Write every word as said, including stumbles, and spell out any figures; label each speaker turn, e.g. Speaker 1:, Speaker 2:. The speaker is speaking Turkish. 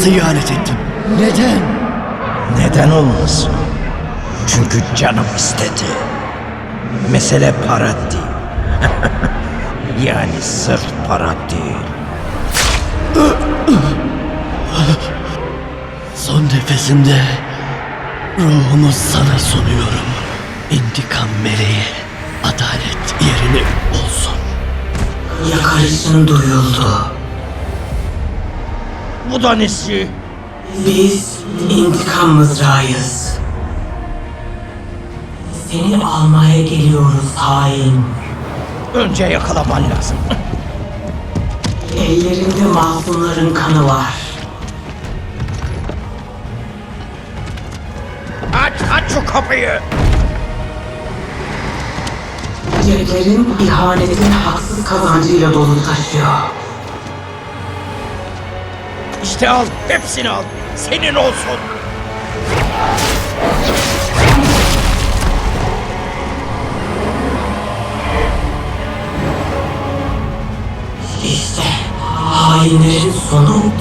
Speaker 1: Size ihanet ettim. Neden?
Speaker 2: Neden olmasın? Çünkü canım istedi. Mesele para değil. Yani sırf para değil.
Speaker 1: Son nefesimde ruhumu sana sunuyorum. İntikam meleği, adalet yerini olsun.
Speaker 3: Yakarışın duyuldu.
Speaker 2: Bu da nesi?
Speaker 3: Biz intikam mızrağıyız. Seni almaya geliyoruz hain.
Speaker 2: Önce yakalaman lazım.
Speaker 3: Ellerinde masumların kanı var.
Speaker 2: Aç, aç şu kapıyı.
Speaker 3: Ceplerin ihanetin haksız kazancıyla dolu taşıyor.
Speaker 2: İşte al, hepsini al. Senin olsun.
Speaker 3: İşte hainlerin sonu